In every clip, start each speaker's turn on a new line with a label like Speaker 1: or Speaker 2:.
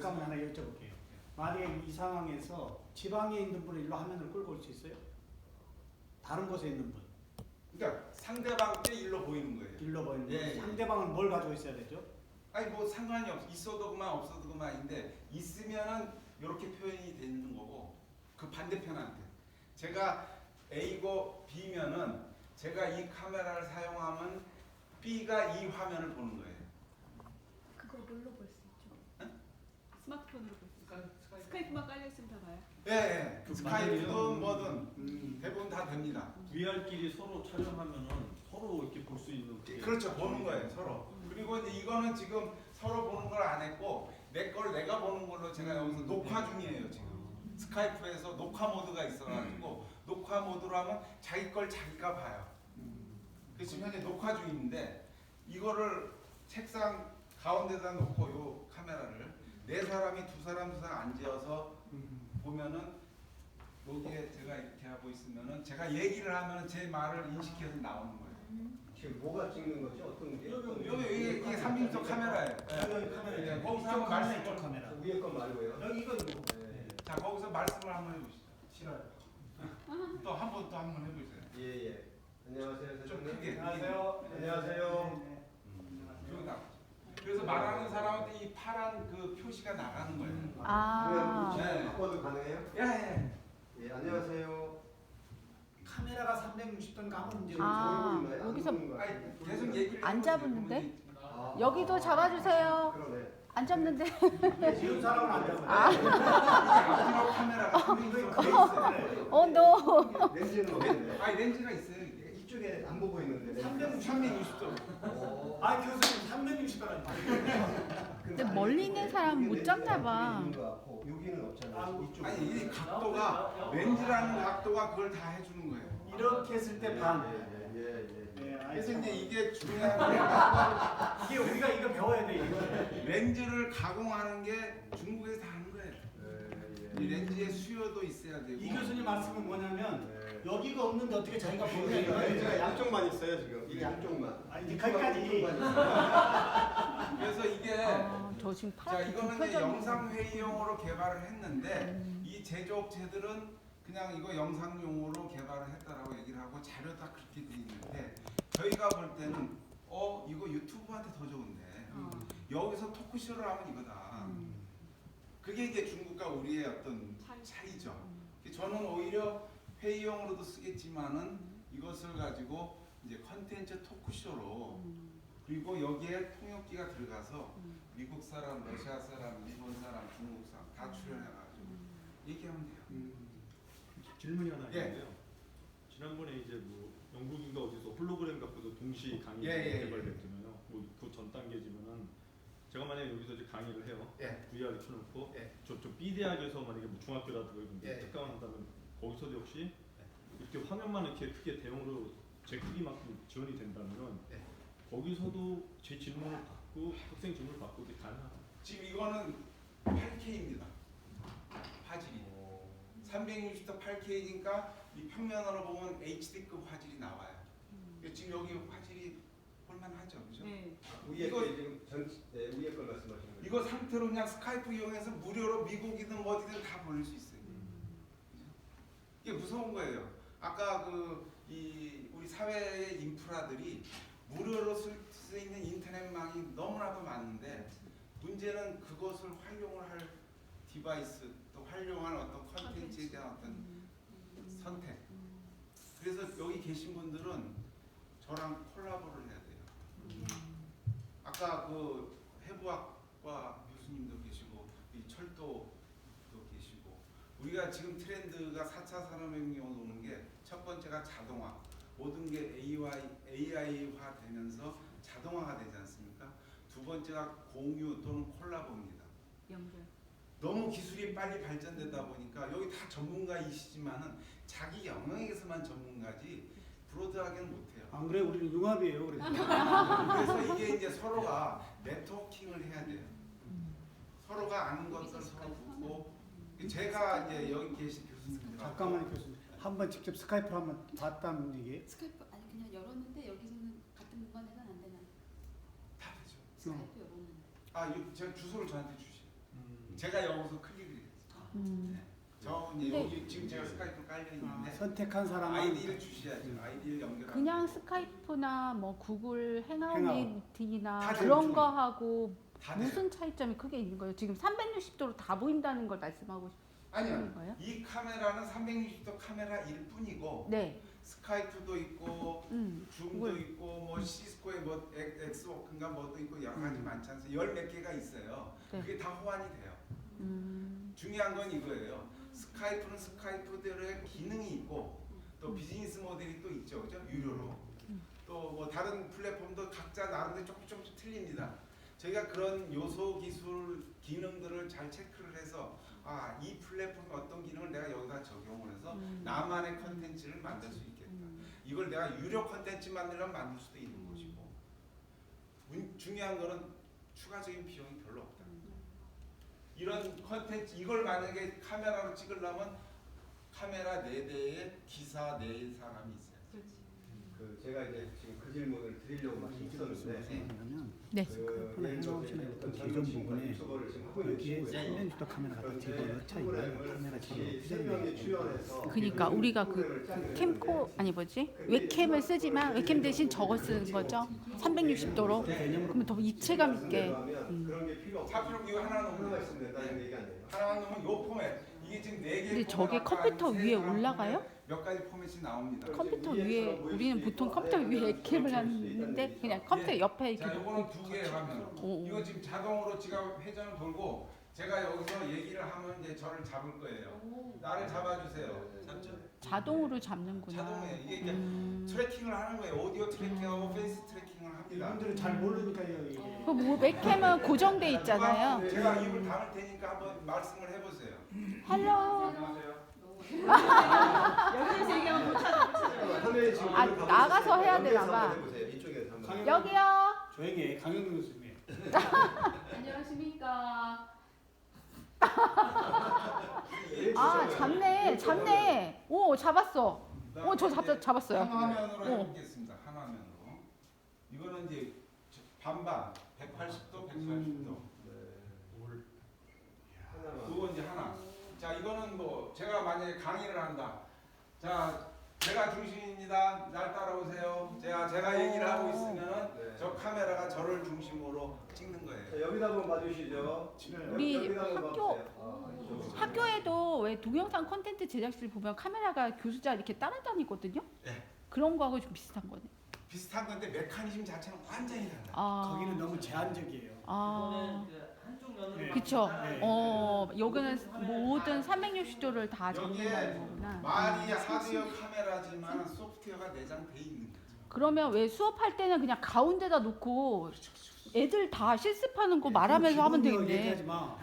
Speaker 1: 잠깐만 하나 여쭤볼게요. 만약에 이 상황에서 지방에 있는 분을 일로 화면을 끌고 올 수 있어요? 다른 곳에 있는 분.
Speaker 2: 그러니까 상대방 때 일로 보이는 거예요.
Speaker 1: 일로 보이는 분.
Speaker 2: 예.
Speaker 1: 상대방은 뭘 가지고 있어야 되죠?
Speaker 2: 아니 뭐 상관이 없어. 있어도 그만 없어도 그만인데 있으면은 이렇게 표현이 되는 거고 그 반대편한테 제가 A고 B면은 제가 이 카메라를 사용하면 B가 이 화면을 보는 거예요.
Speaker 3: 그거 뭘로 볼 수 있죠?
Speaker 2: 응?
Speaker 3: 스마트폰으로 볼 수 있어요. 스카이프만 깔려 있으면 다 봐요.
Speaker 2: 예, 예.
Speaker 4: 그
Speaker 2: 스카이프든
Speaker 4: 만약에요?
Speaker 2: 뭐든 대부분 다 됩니다.
Speaker 4: VR끼리 서로 촬영하면은 서로 이렇게 볼 수 있는 그게
Speaker 2: 그렇죠. 보는 거예요, 서로. 그리고 이제 이거는 지금 서로 보는 걸 안 했고 내 걸 내가 보는 걸로 제가 여기서 녹화 중이에요, 지금. 스카이프에서 녹화 모드가 있어가지고 녹화 모드로 하면 자기 걸 자기가 봐요. 그래서 지금 현재 녹화 중인데 이거를 책상 가운데다 놓고 요 카메라를 네 사람이 두 사람 앉아서 보면은 여기에 제가 이렇게 하고 있으면은 제가 얘기를 하면은 제 말을 인식해서 나오는 거예요.
Speaker 5: 지금 뭐가 찍는 거지? 어떤 게?
Speaker 2: 여기 이게 3인조 카메라예요. 네, 거기서 한번 말씀을
Speaker 1: 카메라.
Speaker 5: 위에 건 말고요.
Speaker 1: 여기 이건 뭐?
Speaker 5: 네.
Speaker 2: 자 거기서 말씀을 한번 해보시죠.
Speaker 1: 싫어요.
Speaker 2: 또 한 번 해보세요.
Speaker 5: 예, 예. 안녕하세요,
Speaker 2: 좀
Speaker 5: 사장님.
Speaker 2: 크게.
Speaker 1: 안녕하세요.
Speaker 5: 안녕하세요.
Speaker 1: 네,
Speaker 2: 여기 나. 그래서 말하는 사람한테 이 파란 그 표시가 나가는 거예요.
Speaker 3: 아.
Speaker 5: 그러면
Speaker 2: 네.
Speaker 5: 바꿔도 가능해요?
Speaker 2: 예.
Speaker 5: 예, 안녕하세요.
Speaker 1: 카메라가 360도니까 아무 문제
Speaker 3: 아.
Speaker 1: 없어요.
Speaker 3: 여기서
Speaker 2: 아니 계속 얘기를
Speaker 3: 안
Speaker 2: 해보세요.
Speaker 3: 잡았는데?
Speaker 5: 아,
Speaker 3: 여기도 잡아주세요.
Speaker 5: 그러네.
Speaker 3: 안 잡는데?
Speaker 1: 지금 사람은 안 잡아요.
Speaker 3: 아.
Speaker 2: 이게 앞뒤로 카메라가 3인조 돼 있어요.
Speaker 3: 노.
Speaker 5: 렌즈는 어디인데?
Speaker 2: 아니 렌즈가 있어요. 이게.
Speaker 5: 이쪽에 안 보고 있는데.
Speaker 2: 360도.
Speaker 5: 오.
Speaker 1: 아 교수님 360도라니.
Speaker 3: 근데 멀리 있는 사람 못 잡나 봐.
Speaker 5: 여기는 없잖아요. 이쪽.
Speaker 2: 아니 이 각도가 렌즈라는 각도가 그걸 다 해주는 거예요.
Speaker 1: 이렇게 했을 때 반.
Speaker 5: 예.
Speaker 1: 네, 아이,
Speaker 2: 그래서
Speaker 1: 참.
Speaker 2: 이제 이게 중요한 게
Speaker 1: 이게 우리가 이거 배워야 돼. 이거.
Speaker 2: 렌즈를 가공하는 게 중국에서 다 하는 거예요. 이 렌즈의 수요도 있어야 되고.
Speaker 1: 이 교수님 말씀은 뭐냐면
Speaker 5: 네.
Speaker 1: 여기가 없는데 어떻게 자기가 보느냐
Speaker 5: 렌즈가
Speaker 1: 이거예요.
Speaker 5: 양쪽만 있어요 지금. 이게 양쪽만.
Speaker 1: 아니 이제 거기까지.
Speaker 2: 그래서 이게
Speaker 3: 저 지금
Speaker 2: 자
Speaker 3: 파랗게
Speaker 2: 이거는 이제
Speaker 3: 펴져 있는
Speaker 2: 영상 회의용으로 개발을 했는데 이 제조업체들은 그냥 이거 영상용으로 개발을 했다라고 얘기를 하고 자료 다 그렇게 돼 있는데 저희가 볼 때는 이거 유튜브한테 더 좋은데 여기서 토크쇼를 하면 이거다. 그게 이제 중국과 우리의 어떤 차이죠. 저는 오히려 회의용으로도 쓰겠지만은 이것을 가지고 이제 컨텐츠 토크쇼로 그리고 여기에 통역기가 들어가서 미국 사람, 러시아 사람, 일본 사람, 중국 사람 다 출연해가지고 얘기하면 돼요.
Speaker 4: 질문이 하나
Speaker 2: 예.
Speaker 4: 있는데요. 지난번에 이제 뭐 영국인가 어디서 홀로그램 갖고도 동시 강의
Speaker 2: 예.
Speaker 4: 개발됐잖아요. 뭐그 전 단계지만은 제가 만약에 여기서 이제 강의를 해요.
Speaker 2: 예.
Speaker 4: VR을 켜놓고
Speaker 2: 예.
Speaker 4: 저쪽 B 대학에서 만약에 뭐 중학교라든가 이런 데
Speaker 2: 예.
Speaker 4: 특강을 한다면 거기서도 역시 이렇게 화면만 이렇게 크게 대형으로 제 크기만큼 지원이 된다면
Speaker 2: 예.
Speaker 4: 거기서도 제 질문을 받고 학생 질문을 받고 이게 가능하다.
Speaker 2: 지금 이거는 8K입니다. 화질이 360도 8K니까 이 평면으로 보면 HD급 화질이 나와요. 지금 여기 화질이 볼만하죠, 그죠?
Speaker 3: 네.
Speaker 5: 위에
Speaker 2: 이거-
Speaker 5: 거 지금 위에 걸 말씀하시는 거예요.
Speaker 2: 이거 상태로 그냥 스카이프 이용해서 무료로 미국이든 어디든 다 보낼 수 있어요. 이게 무서운 거예요. 아까 우리 사회의 인프라들이 무료로 쓸 수 있는 인터넷망이 너무나도 많은데 문제는 그것을 활용을 할 디바이스 또 활용할 어떤 컨텐츠에 대한 어떤 선택. 그래서 여기 계신 분들은 저랑 콜라보를 해야 돼요. 아까 그 해부학과 교수님도 계시고 이 철도도 계시고 우리가 지금 트렌드가 4차 산업혁명이 오는 게 첫 번째가 자동화 모든 게 AI화 되면서 자동화가 되지 않습니까? 두 번째가 공유 또는 콜라보입니다.
Speaker 3: 연결.
Speaker 2: 너무 기술이 빨리 발전되다 보니까 여기 다 전문가이시지만은 자기 영역에서만 전문가지 브로드하게는 못해요.
Speaker 1: 안 그래 우리는 융합이에요. 그래서.
Speaker 2: 그래서 이게 이제 서로가 네트워킹을 해야 돼요. 서로가 아는 것들 서로 묻고 제가 이제 여기 계신 교수님들
Speaker 1: 잠깐만요 교수님. 한번 직접 스카이프로 한번 봤다는 얘기예요?
Speaker 6: 스카이프 아니 그냥 열었는데 여기서는 같은 공간에는 안 되나?
Speaker 2: 다 되죠.
Speaker 6: 스카이프 열었는데.
Speaker 2: 제가 주소를 저한테 주시요. 제가 여기서 클릭을 했어요. 네. 저 이제
Speaker 3: 근데-
Speaker 2: 여기 지금 제가 스카이프 깔려 있는데
Speaker 1: 선택한 사람은
Speaker 2: 아이디를 주셔야죠. 아이디를 연결.
Speaker 3: 그냥 스카이프나 뭐 구글 행아웃
Speaker 1: 행아웃.
Speaker 3: 미팅이나
Speaker 2: 다
Speaker 3: 그런
Speaker 2: 돼요.
Speaker 3: 거 하고
Speaker 2: 다
Speaker 3: 무슨 차이점이 크게 있는 거예요? 지금 360도로 다 보인다는 걸 말씀하고
Speaker 2: 아니요.
Speaker 3: 싶은 거예요?
Speaker 2: 이 카메라는 360도 카메라일 뿐이고
Speaker 3: 네.
Speaker 2: 스카이프도 있고 줌도
Speaker 3: 그걸-
Speaker 2: 있고 뭐 시스코의 뭐 엑스워크인가 뭐도 있고 여러 가지 많지 않습니까? 열 몇 개가 있어요.
Speaker 3: 네.
Speaker 2: 그게 다 호환이 돼요. 중요한 건 이거예요. 스카이프는 스카이프대로의 기능이 있고 또 비즈니스 모델이 또 있죠, 그죠? 유료로. 또 뭐 다른 플랫폼도 각자 나름대로 조금씩 틀립니다. 저희가 그런 요소 기술 기능들을 잘 체크를 해서 아, 이 플랫폼의 어떤 기능을 내가 여기다 적용을 해서 나만의 컨텐츠를 만들 수 있겠다. 이걸 내가 유료 컨텐츠 만들려면 만들 수도 있는 것이고 중요한 거는 추가적인 비용이 별로 없다. 이런 컨텐츠 이걸 만약에 카메라로 찍으려면 카메라 4대에 기사 4사람이 있어요.
Speaker 5: 그 제가 이제 지금 그 질문을 드리려고 막 있었는데
Speaker 1: 그러면
Speaker 3: 네.
Speaker 5: 그
Speaker 1: 스카이프나
Speaker 5: 예를 들어서
Speaker 1: 행아웃이나
Speaker 5: 이제
Speaker 1: 어떤
Speaker 5: 어떤
Speaker 1: 기존
Speaker 5: 젊은 친구가
Speaker 1: 부분에
Speaker 5: 유튜버를 지금 하고 있는
Speaker 1: 여기에
Speaker 5: 친구예요.
Speaker 1: 360도 카메라 같은 걸 넣자 이거는 카메라 지금
Speaker 5: 세 명이 출연해서
Speaker 3: 그러니까 우리가 그 캠코 아니 뭐지 웹캠을 쓰지만 웹캠 대신 저거 쓰는 거죠? 360도로. 그러면 더 입체감 있게.
Speaker 5: 그런 게 필요 없고
Speaker 2: 사필로 이거 하나
Speaker 5: 하나가
Speaker 2: 넣으면
Speaker 5: 있으면 된다는 얘기 아니에요?
Speaker 2: 하나 넣으면 요 포맷 이게 지금 4개.
Speaker 3: 근데 저게 컴퓨터 위에 올라가요?
Speaker 2: 몇 가지 포맷이 나옵니다.
Speaker 3: 컴퓨터 위에 우리는 보통 컴퓨터 위에 웹캠을 하는데 그냥 컴퓨터 옆에 이렇게
Speaker 2: 자, 요거는
Speaker 3: 놓고
Speaker 2: 2개 화면.
Speaker 3: 오.
Speaker 2: 이거 지금 자동으로 지가 회전을 돌고 제가 여기서 얘기를 하면 이제 저를 잡을 거예요. 나를 잡아주세요. 잡죠?
Speaker 3: 자동으로 잡는구나.
Speaker 2: 자동에 이게 이제 트래킹을 하는 거예요. 오디오 트래킹하고 페이스 트래킹을 합니다.
Speaker 1: 이분들은 잘 모르니까요 이게.
Speaker 3: 그 뭐 웹캠은 고정돼 있잖아요.
Speaker 2: 제가 입을 담을 테니까 한번 말씀을 해보세요.
Speaker 3: 헬로.
Speaker 2: 안녕하세요.
Speaker 3: 여기서 얘기하면 못 찾아.
Speaker 5: 화면에 지금
Speaker 3: 아,
Speaker 5: 이걸
Speaker 3: 나가서 해야
Speaker 5: 연결해서
Speaker 3: 되나 봐.
Speaker 5: 한번 해보세요. 이쪽에서 한번.
Speaker 3: 여기요.
Speaker 1: 조용히 해. 강영민 교수님.
Speaker 3: 안녕하십니까. 아, 잡네. 오, 잡았어. 오, 저 잡았어요.
Speaker 2: 한 화면으로
Speaker 3: 어.
Speaker 2: 해보겠습니다. 한 화면으로. 이거는 이제 반반 180도, 180도. 그거 이제 하나. 자, 이거는 뭐 제가 만약에 강의를 한다. 자, 제가 중심입니다. 날 따라오세요. 제가 얘기를 하고 있으면은
Speaker 5: 네.
Speaker 2: 저 카메라가 저를 중심으로 찍는 거예요.
Speaker 5: 자, 여기다 한번 봐주시죠.
Speaker 3: 우리
Speaker 5: 여기다 한번
Speaker 3: 학교-
Speaker 5: 봐보세요. 아, 이쪽으로.
Speaker 3: 학교에도 왜 동영상 콘텐츠 제작실 보면 카메라가 교수자 이렇게 따라다니거든요.
Speaker 2: 네.
Speaker 3: 그런 거하고 좀 비슷한 거네.
Speaker 2: 비슷한 건데 메커니즘 자체는 완전히 달라요.
Speaker 3: 아,
Speaker 1: 거기는 너무 제한적이에요.
Speaker 3: 아,
Speaker 7: 한쪽 면으로
Speaker 1: 네.
Speaker 3: 그쵸.
Speaker 1: 네.
Speaker 3: 여기는 모든 360도를 다 잡는다는 거구나.
Speaker 2: 말이 하드웨어 카메라지만 소프트웨어가 내장돼 있는 거죠.
Speaker 3: 그러면 왜 수업할 때는 그냥 가운데다 놓고 애들 다 실습하는 거 말하면서 하면
Speaker 1: 기본으로
Speaker 3: 되겠네.
Speaker 1: 얘기하지 마.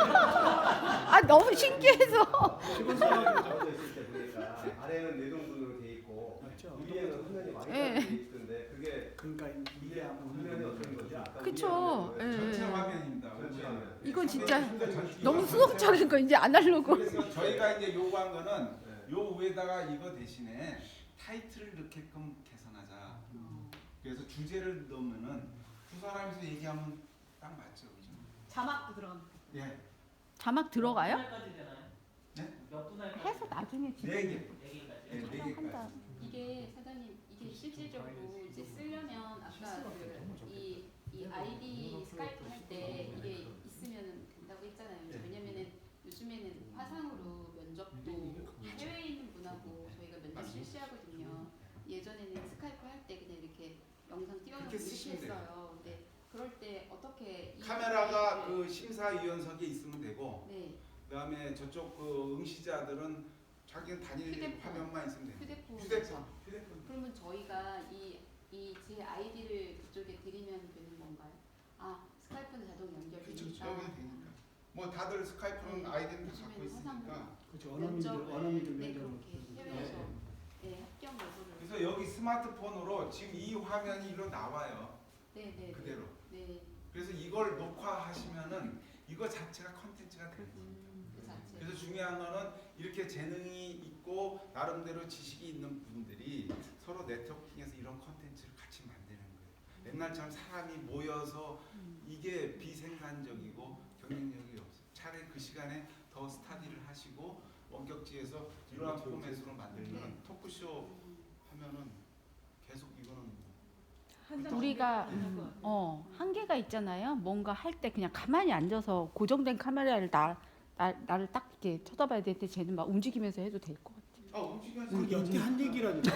Speaker 3: 아, 너무 신기해서.
Speaker 1: 기본 생각으로
Speaker 5: 잡아져 있을 때 보니까 아래는 내동분으로 돼 있고
Speaker 1: 맞죠.
Speaker 5: 위에는 화면이 많이
Speaker 3: 예.
Speaker 5: 돼 있던데 그게
Speaker 1: 그러니까 이게 아마
Speaker 5: 화면이 어떤 거지? 아까
Speaker 3: 그쵸.
Speaker 5: 위에 화면은
Speaker 3: 예.
Speaker 2: 전체 화면입니다.
Speaker 5: 전체 화면.
Speaker 3: 이건 진짜
Speaker 2: 전체
Speaker 3: 너무
Speaker 2: 화면.
Speaker 3: 수동적인 거 이제 아날로그.
Speaker 2: 그래서 저희가 이제 요구한 거는
Speaker 5: 네.
Speaker 2: 요 위에다가 이거 대신에 타이틀을 넣게끔 개선하자. 그래서 주제를 넣으면은 두 사람이서 얘기하면 딱 맞죠, 그죠?
Speaker 3: 자막도 들어갑니다.
Speaker 2: 예,
Speaker 3: 자막 들어가요?
Speaker 7: 분할까지 되나요?
Speaker 2: 네?
Speaker 7: 몇 분할까지?
Speaker 3: 해서 나중에 진짜
Speaker 2: 4개.
Speaker 7: 4개까지.
Speaker 2: 네, 4개까지.
Speaker 6: 이게 사장님 이게 실질적으로 이제 쓰려면 아까 이 아이디 스카이프 할 때 이게 있으면 된다고 했잖아요. 왜냐면은 요즘에는 화상으로 면접도 해외에 있는 분하고 저희가 면접 실시하거든요. 예전에는 스카이프 할 때 그냥 이렇게 영상 띄워놓고
Speaker 2: 그렇게
Speaker 6: 이렇게
Speaker 2: 쓰시면 돼요.
Speaker 6: 했어요. 근데 그럴 때 어떻게
Speaker 2: 카메라가 그 심사위원석에 있으면 되고
Speaker 6: 네
Speaker 2: 그다음에 저쪽 그 응시자들은 자기는 단일
Speaker 6: 휴대폰.
Speaker 2: 화면만 있으면 됩니다.
Speaker 6: 휴대폰
Speaker 2: 휴대폰.
Speaker 6: 그러면 저희가 이 제 아이디를 그쪽에 드리면 되는 건가요? 아 스카이프는 자동
Speaker 2: 그렇죠.
Speaker 6: 연결되니까
Speaker 2: 여기 되니까. 뭐 다들 스카이프는 아이디는 다 갖고 있으니까.
Speaker 1: 그렇죠. 언어민들
Speaker 6: 네
Speaker 1: 면접을
Speaker 6: 그렇게 해외에서 네 합격 여부를
Speaker 2: 그래서 여기 스마트폰으로 지금 이 화면이 일로 나와요.
Speaker 6: 네네
Speaker 2: 그대로.
Speaker 6: 네
Speaker 2: 그래서 이걸 녹화하시면은 이거 자체가 컨텐츠가 돼요.
Speaker 6: 그 자체
Speaker 2: 그래서 중요한 거는 이렇게 재능이 있고 나름대로 지식이 있는 분들이 서로 네트워킹해서 이런 컨텐츠를 같이 만드는 거예요. 옛날처럼 사람이 모여서 이게 비생산적이고 경쟁력이 없어요. 차라리 그 시간에 더 스타디를 하시고 원격지에서 이러한 포맷으로 만들면 토크쇼 하면은 계속 이거는
Speaker 3: 우리가 한계가 있잖아요. 뭔가 할 때 그냥 가만히 앉아서 고정된 카메라를 나를 딱 이렇게 쳐다봐야 되는데 쟤는 막 움직이면서 해도 될 것 같아요.
Speaker 2: 움직여서
Speaker 1: 우리 여태 한 얘기라니까.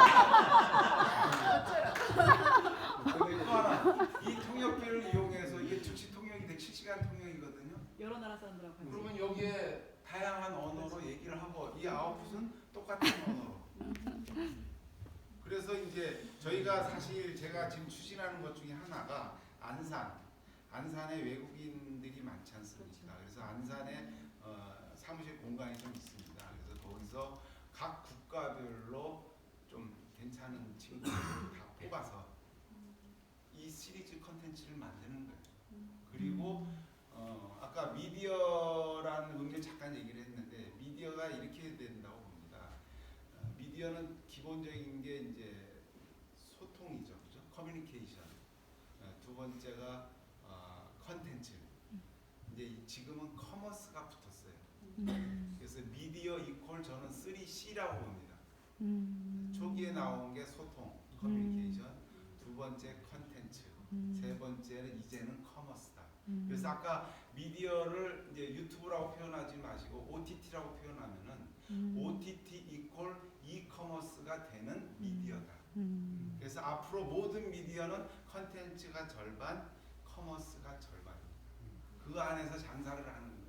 Speaker 2: 또 하나 이 통역기를 이용해서 이게 즉시 통역이 돼 실시간 통역이거든요.
Speaker 7: 여러 나라 사람들하고 같이.
Speaker 2: 그러면 여기에 다양한 언어로 얘기를 하고 이 아웃풋은 똑같은 언어로. 그래서 이제 저희가 사실 제가 지금 추진하는 것 중에 하나가 안산에 외국인들이 많지 않습니까? 그래서 안산에 사무실 공간이 좀 있습니다. 그래서 거기서 각 국가별로 좀 괜찮은 친구들을 다 뽑아서 이 시리즈 컨텐츠를 만드는 거예요. 그리고 아까 미디어라는 의미를 잠깐 얘기를 했는데 미디어가 이렇게 된다고 봅니다. 미디어는 기본적인 게 이제 소통이죠, 그죠? 커뮤니케이션. 두 번째가 컨텐츠. 이제 지금은 커머스가 붙었어요. 그래서 미디어 이퀄 저는 3C라고 봅니다. 초기에 나온 게 소통, 커뮤니케이션, 두 번째 컨텐츠, 세 번째는 이제는 커머스다. 그래서 아까 미디어를 이제 유튜브라고 표현하지 마시고 OTT라고 표현하면은 OTT 이퀄 이커머스가 되는 미디어다. 그래서 앞으로 모든 미디어는 컨텐츠가 절반, 커머스가 절반. 그 안에서 장사를 하는